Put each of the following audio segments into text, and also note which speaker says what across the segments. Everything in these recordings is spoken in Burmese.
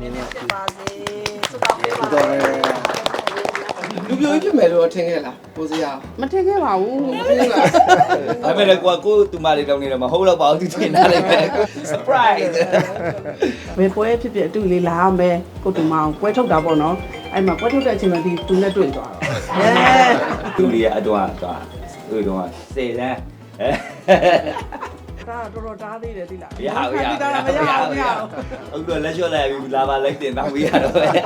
Speaker 1: ဖြစ်ပါစေဆုတောင်းပေးပါ
Speaker 2: လူပြိုကြီးဖြစ်မယ်လို့ထင်ခဲ့လားကိုစရာ
Speaker 1: မထင်ခဲ့ပါဘူး
Speaker 2: မထင်ဘူးလား
Speaker 3: ဒါပေမဲ့ကိုတူမလေးတောင်းနေတော့မဟုတ်တော့ပါဘူးသူထင်တာလည်းပဲ surprise
Speaker 1: ဘယ်ပွဲဖြစ်ဖြစ်အတူလေးလာမယ်ကိုတူမအောင်ပွဲထုတ်တာပေါ့နော်အဲ့မှာပွဲထုတ်တဲ့အချိန်မှာဒီသူနဲ့တွေ့သွားတော့
Speaker 3: သူလေးအတော့သွားသူတော့စေတန်း
Speaker 1: ဒါတော်တော်တားသေးတယ်ဒီလား
Speaker 3: ရအောင်အခုတော့လက်လျှော့လိုက်ပြီလာပါလိုက်တင်တောင်းပြီးရတော့ပဲ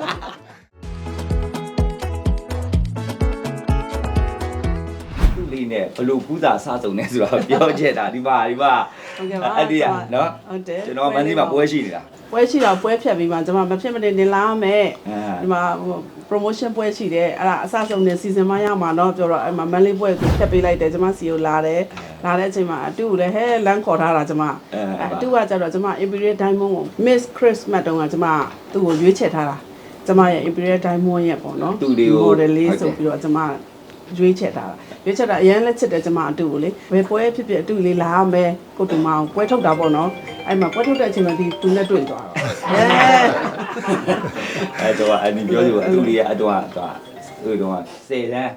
Speaker 3: သူလေးနဲ့ဘလို့ကူးတာစားစုံနေဆိုတော့ပြောချက်တာဒီမှာအဲ့ဒီကနော်
Speaker 1: ဟုတ်တယ်
Speaker 3: ကျွန်တော်မန်းကြီးမှာပွဲရှိနေတာ
Speaker 1: ပွဲရှိတော့ပွဲဖြတ်ပြီးမှကျွန်မမဖြစ်မနေနေလာမယ်ဒီမှာ promotion ပွဲရှိတယ်အဲ့ဒါအစဆုံးနေစီစဉ်မရမှာတော့ပြောတော့အဲ့မှာမန်လေးပွဲကိုဖြတ်ပေးလိုက်တယ်ကျွန်မစီကိုလာတဲ့အချိန်မှာအတူကိုလည်းဟဲလမ်းခေါ်ထားတာကျွန်မအတူကကျတော့ကျွန်မ Imperial Diamond ကို Miss Christmas တုန်းကကျွန်မသူ့ကိုရွေးချယ်ထားတာကျွန်မရဲ့ Imperial Diamond ရဲ့ပေါ့နော် model လေးဆိုပြီးတော့ကျွန်မရွေးချက်တာရွေးချက်တာအရင်လက်ချစ်တယ်ကျွန်မအတူကိုလေဘယ်ပွဲဖြစ်ဖြစ်အတူလေးလာမယ်ကိုတူမအောင်ပွဲထုတ်တာပေါ့နော်အဲ့မှာပွဲထုတ်တဲ့အချိန်မှာဒီသူနဲ့တွေ့သွားတော့
Speaker 3: အဲ့တော့အနီပြောစီအတူလေးအတော့သွားသူတော့စေတန်း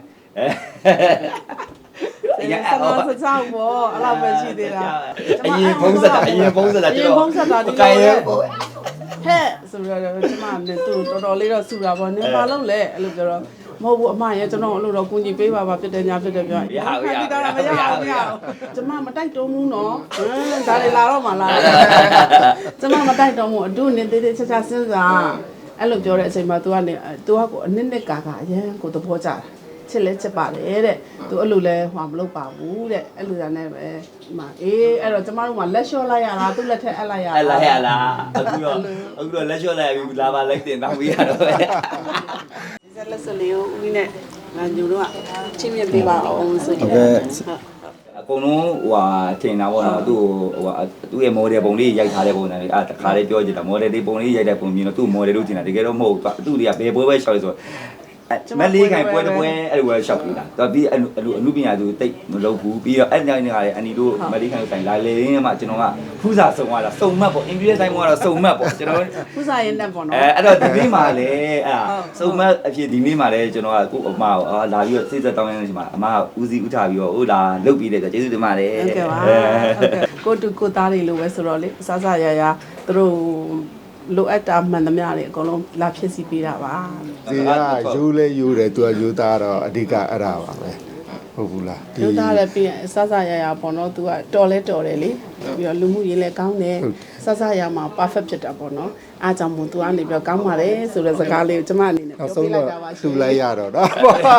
Speaker 1: ရအောင်ပါစစောက်ပေါ့အဲ့လိုပဲရှိသေးတာ
Speaker 3: အရင်ဖုံးဆက်တာကျွန်တော်
Speaker 1: ကဲရဲဟဲ့ဆိုတော့ကျွန်မနဲ့သူတော်တော်လေးတော့ဆူတာပေါ့နင်ဘာလုပ်လဲအဲ့လိုပြောတော့မဟုတ်ဘူးအမရဲ့ကျွန်တော်အဲ့လိုတော့ကူညီပေးပါဖြစ်တယ်ညာဖြစ်တယ်ပြော
Speaker 3: ရအောင်
Speaker 1: ကျွန်မမတိုက်တုံးဘူးနော်ဒါလေးလာတော့မှလာကျွန်မမတိုက်တုံးဘူးအတူနေသေးသေးချာချာစဉ်းစားအဲ့လိုပြောတဲ့အချိန်မှာ तू ကနေ तू ကကိုအနစ်နဲ့ကာအရန်ကိုသဘောကျတာချစ်လဲချစ်ပါတယ်တဲ့ तू အဲ့လိုလဲဟွာမလုပ်ပါဘူးတဲ့အဲ့လိုနဲ့ပဲဒီမှာအေးအဲ့တော့ကျမတို့ကလက်လျှော့လိုက်ရတာသူ့လက်ထက်အပ်လိုက်ရတာ
Speaker 3: အခုတော့လက်လျှော့လိုက်ပြီလာပါလိုက်တင်တောင်းပြီးရတော့ပဲ
Speaker 1: ဒီလက်စလေးကိုဦးကြီးနဲ့ငါညိုတော့ချင်းမြင်ပေးပါအောင်ဆိုရင်
Speaker 3: အကုန်လုံးဟိုဟာထင်တာပေါ့နော်သူ့ဟိုဟာသူ့ရဲ့ model ပုံလေးရိုက်ထားတဲ့ပုံစံလေးတခါလေးပြောကြည့်တာ model လေးပုံလေးရိုက်တဲ့ပုံမြင်တော့သူ့ model လို့ထင်တာတကယ်တော့မဟုတ်သူ့တွေကဘယ်ပွဲပဲရှောက်လဲဆိုမလေးခိုင်ပွဲတစ်ပွဲအဲ့လိုပဲရှောက်ပြီးတာတော့ပြီးအမှုပညာသူတိတ်မလုပ်ဘူးပြီးတော့အဲ့ညနေကလည်းအနီတို့မလေးခိုင်ကိုတိုင်လာလေရင်းမှကျွန်တော်ကဖူးစာစုံသွားတာစုံမှတ်ပေါ့အင်္ဂလိပ်တိုင်းမှာတော့စုံမှတ်ပေါ့ကျွန်တော်
Speaker 1: ဖူးစာရင်းနဲ့ပေါ့နော်
Speaker 3: အဲ့တော့ဒီနေ့မှာလည်းအဲ့စုံမှတ်အဖြစ်ဒီနေ့မှာလည်းကျွန်တော်ကကို့အမကိုလာပြီးတော့စိတ်သက်တောင်းရတဲ့အချိန်မှာအမကဦးစီးဥထားပြီးတော့ဟိုလာလုတ်ပြီးတယ်ဆိုကျေးဇူးတင်ပါတယ်
Speaker 1: ဟုတ်ကဲ့ပါဟုတ်ကဲ့ကိုသားလေးလိုပဲဆိုတော့လေစစရရသူတို့လိုအပ်တာမှန်သမျှတွေအကုန်လုံးလာဖြစ်စီပေးတာပါ
Speaker 4: ဒီကယူလဲယူတယ်သူကယူသားတော့အဓိကအဲ့ဒါပါပဲဟုတ်ဘူးလား
Speaker 1: ယူသားလည်းပြီးရင်စစရရပေါ့နော်သူကတော်လဲတော်တယ်လေပြီးတော့လူမှုရေးလည်းကောင်းတယ်စစရမှာ perfect ဖြစ်တာပေါ့နော်အားကြောင့်မို့သူကနေပြီးတော့ကောင်းပါတယ်ဆိုတဲ့စကားလေးကိုကျမအနေနဲ့ပြောပြလိုက်တာပါ
Speaker 4: သူလိုက်ရတော့နော်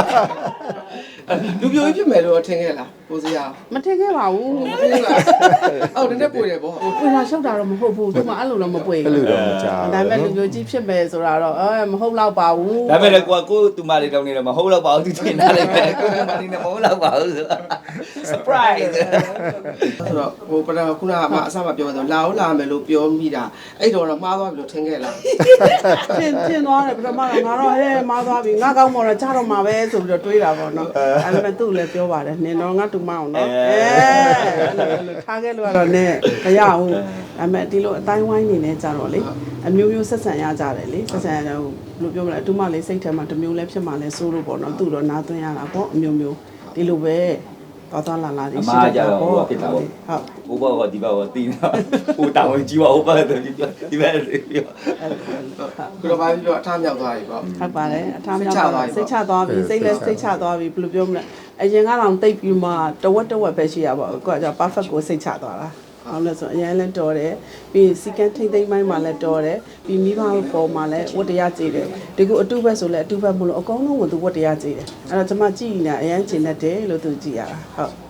Speaker 2: လူပြိုကြီးဖြစ်မယ်လို့ထင်ခဲ့လားကိုစရာ
Speaker 1: မထင်ခဲ့ပါဘူး
Speaker 2: မထင်ဘူးလားအော်နည်းနည်းပွေတယ်ပေါ့
Speaker 1: ပွေတာရှောက်တာတော့မဟုတ်ဘူးသူမှအဲ့လိုတော့မပွေ
Speaker 4: ဘူးအဲ့လိုတော့မကြောက်
Speaker 1: ဒါပေမဲ့လူပြိုကြီးဖြစ်မယ်ဆိုတာတော့မဟုတ်တော့ပါဘူး
Speaker 3: ဒါပေမဲ့ကိုတူမလေးတောင်းနေတော့မဟုတ်တော့ပါဘူးသူထင်တာလည်းပဲကိုတူမလေးနဲ့မဟုတ်တော့ပါဘူးဆို surprise
Speaker 2: ဆိုတော့ဟိုပထမခုနကအမအစမှပြောဆိုလာအောင်လာမယ်လို့ပြောမိတာအဲ့တော့မှားသွားပြီလို့ထင်ခဲ့လား
Speaker 1: ထင်သွားတယ်ပထမတော့ငါတော့ဟဲ့မှားသွားပြီငါကောင်းမော်တော့ကြားတော့မှာပဲဆိုပြီးတော့တွေးတာပေါ့နော်အဲ့ဒါပေမဲ့သူ့လည်းပြောပါတယ်နင်တော့ငါတူမအောင်နော်ထားခဲ့လို့ကတော့နည်းမရဘူးဒါပေမဲ့ဒီလိုအတိုင်းဝိုင်းနေနေကြတော့လေအမျိုးမျိုးဆက်ဆံရကြတယ်လေဆက်ဆံရတော့ဘယ်လိုပြောမလဲအတူမလေးစိတ်ထဲမှာတစ်မျိုးလည်းဖြစ်မှလည်းစိုးလို့ပေါ့နော်သူ့တော့နားသွင်းရတာပေါ့အမျိုးမျိုးဒီလိုပဲသွားလာနေ
Speaker 3: ရှိတာပေါ့ဖြစ်တာပေါ့ဟုတ်ဘောကဒီဘောကတင်းတာဟိုတောင်းကြီးပါဟိုဘက်ဒီဘက်ပြော
Speaker 2: ခုတော့ဘာပြောအထားမြောက်သွားပြီပေါ့
Speaker 1: ဟုတ်ပါတယ်အထားမြောက်သွားစိတ်ချသွားပြီစိတ်လည်းစိတ်ချသွားပြီဘယ်လိုပြောမလဲအရင်ကတော့တိတ်ပြီးမှတဝက်ပဲရှိရပါဘူးကိုကကြောင့် perfect ကိုစိတ်ချသွားတာဟုတ်လဲဆိုအရင်လည်းတော်တယ်ပြီးစီကန်းထိမ့်သိမ့်ပိုင်းမှာလည်းတော်တယ်ပြီးမိဘပေါ်မှာလည်းဝတ္တရားကြည်တယ်ဒီကိုအတုဘက်ဆိုလည်းအတုဘက်မလို့အကုန်လုံးကသူဝတ္တရားကြည်တယ်အဲ့တော့ကျွန်မကြည်နေတာအရင်ကျင်တတ်တယ်လို့သူကြည်ရတာဟုတ်